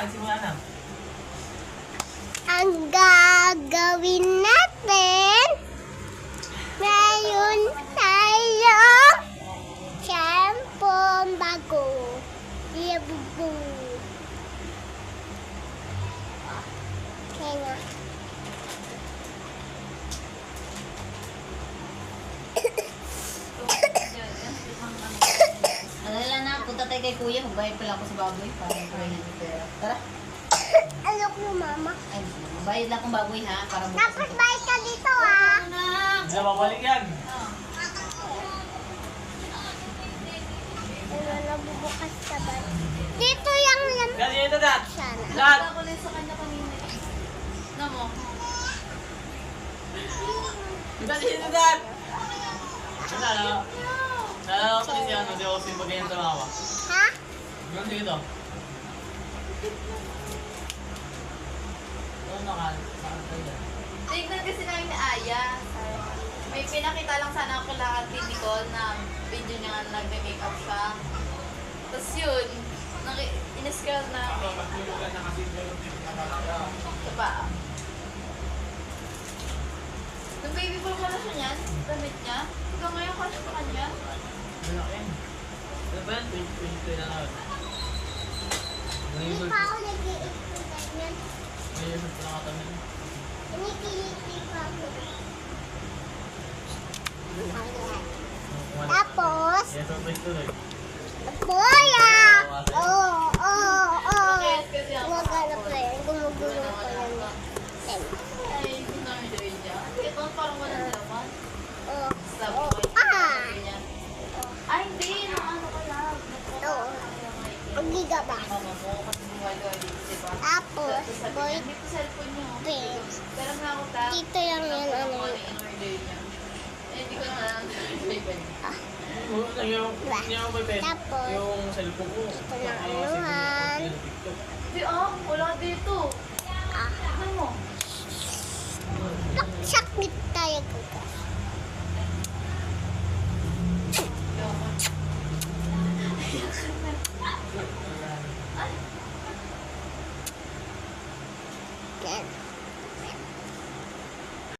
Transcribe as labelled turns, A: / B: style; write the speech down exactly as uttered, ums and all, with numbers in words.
A: simula na.
B: Ang gagawin natin, ngayon tayo, shampoo bago. Yabubu. Okay na.
C: Alala na, punta tayo kay kuya. Magbayad pala ako sa baboy. Para magbayad ng pera. Tara.
B: Alok mo, mama.
C: Ay, magbayad lang akong baboy ha. Para bukas.
B: Tapos balik ka dito, ah.
A: Hindi na babalik yan.
B: Ano, nabubukas ka ba? Dito yung lam...
A: Ganyan ito, Dad.
B: Sana.
A: Dad!
C: Ako lang sa kanya kanina. Na mo?
A: Ganyan ito, Dad. Ano, ano? Nalala ko kasi ano, di ako simbaganyan sa mama.
B: Ha?
A: Ganyan ito. Ano nakan?
D: Tignan kasi namin ni Aya. May pinakita lang sana ako kay Ate Nicole na video niya nga nagme-makeup siya. Tapos yun, naki- in-scroll namin. Ito pa. Nung baby boy ko na siya niyan, damit niya. Hanggang ngayon kasi pa kanya.
A: Malaki. Ano ba yan? twenty twenty na naman.
B: Hindi pa ako nag-iipon ganyan.
A: Ngayon, ito na katamin.
B: Inikiliti pa ako. Ayan. Tapos,
A: Yes, surprise tuloy.
B: Boya! Oo, oo, oo.
D: Bakit? Kasi ako
B: Gumagano pa yan. Gumugulo pa yan.
D: ay, hindi namin gawin niya. Ito parang walang laman.
B: Oo.
D: Sabi
B: Oo.
D: ko,
B: Ah!
D: sabi niya. Ay, hindi. Nung ano ko lang.
B: Oo. Ang giga ba?
D: Mama mo, kasi gumagawa dito, di ba?
B: Tapos,
D: Tapos sabi
B: boy,
D: niya, hindi ko cellphone niyo.
B: Pins.
D: Pero nga ako ta.
B: dito lang yan, ano.
D: Ano yung in-order niya. Eh, hindi ko na favorite.
A: Oo, yung, yung may pes.
B: Tapos,
A: Yung cellphone ko.
B: ito na
A: Yung
B: anuhan.
A: TikTok.
D: Hindi ah, wala dito.